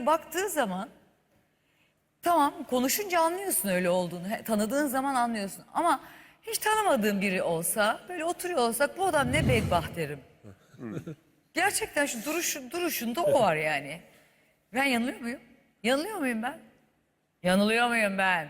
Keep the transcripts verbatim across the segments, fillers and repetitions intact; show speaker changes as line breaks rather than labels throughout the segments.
böyle baktığı zaman tamam konuşunca anlıyorsun öyle olduğunu. He, tanıdığın zaman anlıyorsun. Ama hiç tanımadığın biri olsa böyle oturuyor olsak bu adam ne bedbaht derim. Gerçekten şu duruşun, duruşunda o var yani. Ben yanılıyor muyum? Yanılıyor muyum ben? Yanılıyor muyum ben?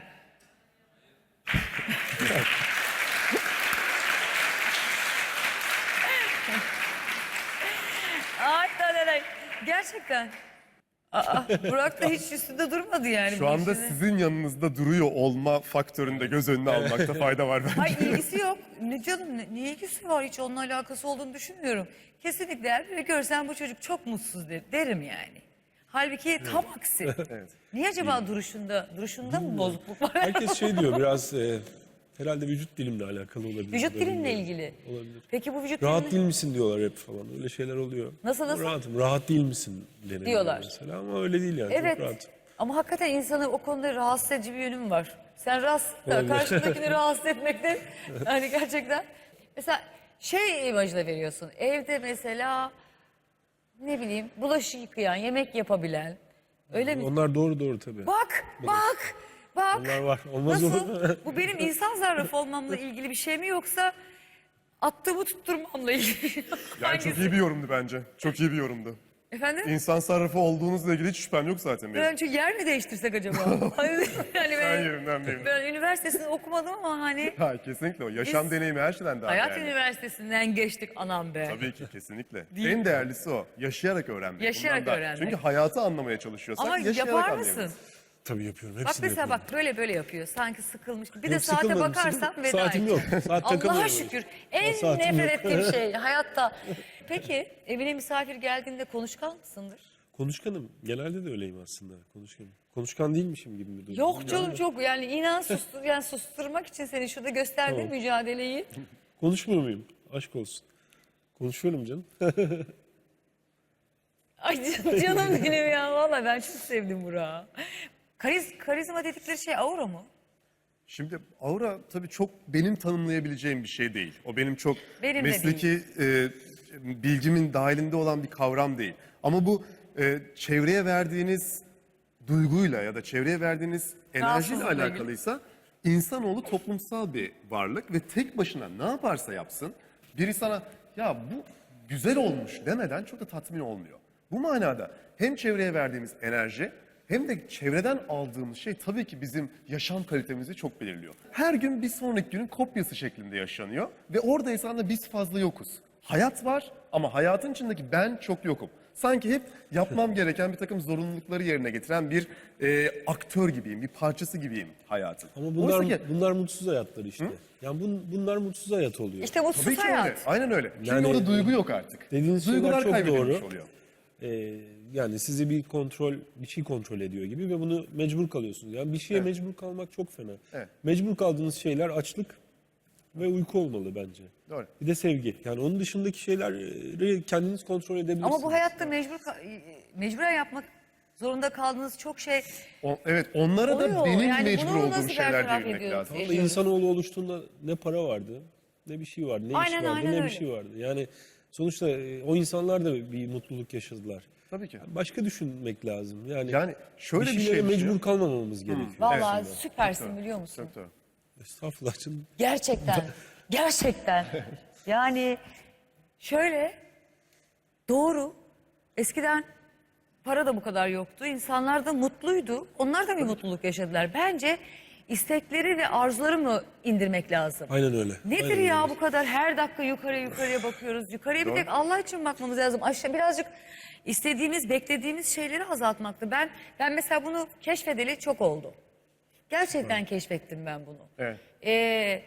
Ay talalay. Gerçekten. Aa, Burak da hiç üstünde durmadı yani.
Şu
bu
anda
işin.
sizin yanınızda duruyor olma faktöründe göz önüne almakta fayda var bence.
Hayır ilgisi yok. Ne canım ne, ne ilgisi var, hiç onunla alakası olduğunu düşünmüyorum. Kesinlikle eğer biri görsen bu çocuk çok mutsuz der, derim yani. Halbuki tam aksi.
Evet.
Niye acaba duruşunda, duruşunda mı bozukluk var?
Herkes şey diyor biraz e, herhalde vücut dilimle alakalı olabilir.
Vücut
Bu da
dilinle
bilmiyorum.
ilgili.
Olabilir.
Peki bu vücut
Rahat
dilini-
değil misin diyorlar hep falan. Öyle şeyler oluyor.
Nasıl, nasıl?
Rahatım. Rahat değil misin deniliyor
Diyorlar.
mesela ama öyle değil yani.
Evet.
Çok rahat.
Ama hakikaten insanı o konuda rahatsız edici bir yönüm var. Sen rahatsız,
Olabilir.
karşındakini rahatsız etmekte hani gerçekten. Mesela şey imajına veriyorsun. Evde mesela ne bileyim bulaşık yıkayan, yemek yapabilen. Öyle mi?
Onlar doğru doğru tabii.
Bak, bak, bak.
Onlar var. Olmaz
Nasıl?
olur mu?
Bu benim insan zarrafı olmamla ilgili bir şey mi yoksa attığımı tutturmamla ilgili?
Yani
Hangisi?
çok iyi bir yorumdu bence. Çok iyi bir yorumdu.
Efendim?
İnsan sarrafı olduğunuzla ilgili hiç şüphem yok zaten benim.
Ben çünkü yer mi değiştirsek acaba? Hani yani
Ben
ben,
yerimden memnunum.
ben üniversitesini okumadım ama hani
Ha, kesinlikle o. Yaşam
Biz-
deneyimi her şeyden daha
hayat
değerli.
üniversitesinden geçtik anam be.
Tabii ki kesinlikle.
Değil.
En değerlisi o. Yaşayarak öğrenmek.
Yaşayarak
Bundan daha-
öğrenmek.
Çünkü hayatı anlamaya çalışıyorsak
Ama
yaşayarak
yapar
anlayabiliriz.
mısın?
Tabii yapıyorum.
Bak
Hepsini
mesela
yapıyorum.
bak böyle böyle yapıyor. Sanki sıkılmış gibi. Bir de
Yok,
saate
sıkılmadım,
bakarsan
sıkılmadım.
veda
Saatim
edeceğim.
yok. Saat
Allah'a
takılmıyorum.
şükür. En
Saatim
nefret
yok.
ettiğim şey hayatta. Peki evine misafir geldiğinde konuşkan mısındır?
Konuşkanım. Genelde de öyleyim aslında. Konuşkanım. Konuşkan değilmişim gibi bir durum.
Yok canım çok yani inan sustur, yani susturmak için seni şurada gösterdiğim
Tamam.
mücadeleyi.
Konuşmuyor muyum? Aşk olsun. Konuşuyorum canım.
Ay can- canım benim ya vallahi ben çok sevdim Burak'ı. Kariz, karizma dedikleri şey aura mı?
Şimdi aura tabii çok benim tanımlayabileceğim bir şey değil. O benim çok
Benim de
mesleki e, bilgimin dahilinde olan bir kavram değil. Ama bu e, çevreye verdiğiniz duyguyla ya da çevreye verdiğiniz enerjiyle
Rahatsızlıkla ilgili.
alakalıysa insanoğlu toplumsal bir varlık ve tek başına ne yaparsa yapsın biri sana ya bu güzel olmuş demeden çok da tatmin olmuyor. Bu manada hem çevreye verdiğimiz enerji hem de çevreden aldığımız şey tabii ki bizim yaşam kalitemizi çok belirliyor. Her gün bir sonraki günün kopyası şeklinde yaşanıyor ve oradaysa da biz fazla yokuz. Hayat var ama hayatın içindeki ben çok yokum. Sanki hep yapmam gereken bir takım zorunlulukları yerine getiren bir e, aktör gibiyim, bir parçası gibiyim hayatın.
Ama bunlar
Oysa ki-
bunlar mutsuz hayatlar işte. Yani bun, bunlar mutsuz hayat oluyor.
İşte mutsuz
Tabii ki
hayat.
öyle. Aynen öyle. Çünkü
Yani-
orada duygu yok artık.
Dediğiniz şeyler
Duygular
çok
kaybedilmiş
doğru.
oluyor.
Ee, yani sizi bir kontrol, bir şey kontrol ediyor gibi ve bunu mecbur kalıyorsunuz. Yani bir şeye
Evet.
mecbur kalmak çok fena.
Evet.
Mecbur kaldığınız şeyler açlık ve uyku olmalı bence.
Doğru.
Bir de sevgi. Yani onun dışındaki şeyleri kendiniz kontrol edebilirsiniz.
Ama bu hayatta mecbur ka- mecburen yapmak zorunda kaldığınız çok şey
O- evet, onlara da
oluyor.
benim
Yani
mecbur
bunu
olduğum
nasıl
şeyler
bertaraf
diyebilmek
ediyoruz?
lazım.
Ama
ediyoruz.
insanoğlu oluştuğunda ne para vardı, ne bir şey vardı, ne
Aynen,
iş vardı,
aynen
ne
öyle.
bir şey vardı. Yani sonuçta e, o insanlar da bir mutluluk yaşadılar.
Tabii ki.
Başka düşünmek lazım. Yani,
Yani şöyle bir
bir şeylere
şey
mecbur
düşünüyorum.
kalmamamız gerekiyor.
Vallahi
Evet.
süpersin biliyor musun?
Çok doğru.
Estağfurullah canım.
Gerçekten. Gerçekten. Yani şöyle doğru. Eskiden para da bu kadar yoktu. İnsanlar da mutluydu. Onlar da bir mutluluk yaşadılar. Bence istekleri ve arzuları mı indirmek lazım?
Aynen öyle.
Nedir
Aynen
ya
öyle.
bu kadar her dakika yukarıya yukarıya bakıyoruz. Yukarıya bir
Doğru.
tek Allah için bakmamız lazım. Aşağı birazcık istediğimiz, beklediğimiz şeyleri azaltmaktı. Ben ben mesela bunu keşfedeli çok oldu. Gerçekten keşfettim ben bunu.
Evet.
Ee,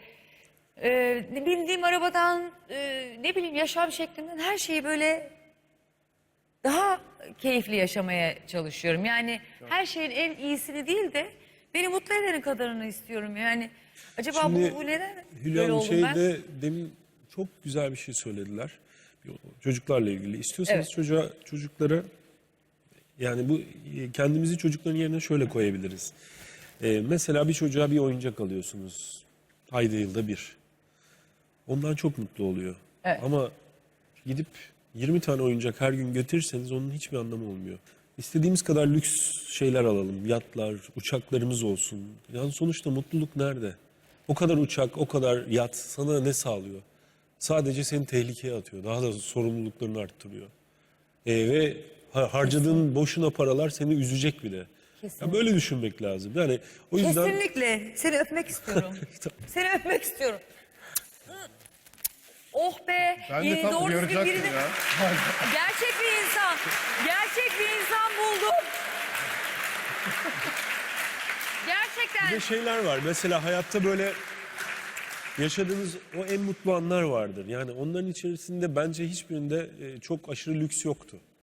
e, bindiğim arabadan, e, ne bileyim yaşam şeklimden her şeyi böyle daha keyifli yaşamaya çalışıyorum. Yani her şeyin en iyisini değil de beni mutlu edenin kadarını istiyorum. Yani acaba
Şimdi
bu, bu neden
Hülya
böyle
Hanım
oldum ben?
şeyde demin çok güzel bir şey söylediler. Çocuklarla ilgili. İstiyorsanız
Evet.
çocuğa, çocuklara yani bu e, kendimizi çocukların yerine şöyle koyabiliriz. Ee, mesela bir çocuğa bir oyuncak alıyorsunuz. Ayda yılda bir. Ondan çok mutlu oluyor.
Evet.
Ama gidip yirmi tane oyuncak her gün götürürseniz onun hiçbir anlamı olmuyor. İstediğimiz kadar lüks şeyler alalım. Yatlar, uçaklarımız olsun. Yani sonuçta mutluluk nerede? O kadar uçak, o kadar yat sana ne sağlıyor? Sadece seni tehlikeye atıyor. Daha da sorumluluklarını arttırıyor. Ee, ve ha- harcadığın boşuna paralar seni üzecek bile. Ya böyle düşünmek lazım. Yani o yüzden
Kesinlikle. Seni öpmek istiyorum. Seni öpmek istiyorum. Oh be.
Ben de
yeni
tam
doğru düzgün
uyaracaktım
birini-
ya.
Gerçek bir insan. Gerçek bir insan buldum. Gerçekten.
bir de şeyler var. Mesela hayatta böyle yaşadığınız o en mutlu anlar vardır. Yani onların içerisinde bence hiçbirinde e, çok aşırı lüks yoktu.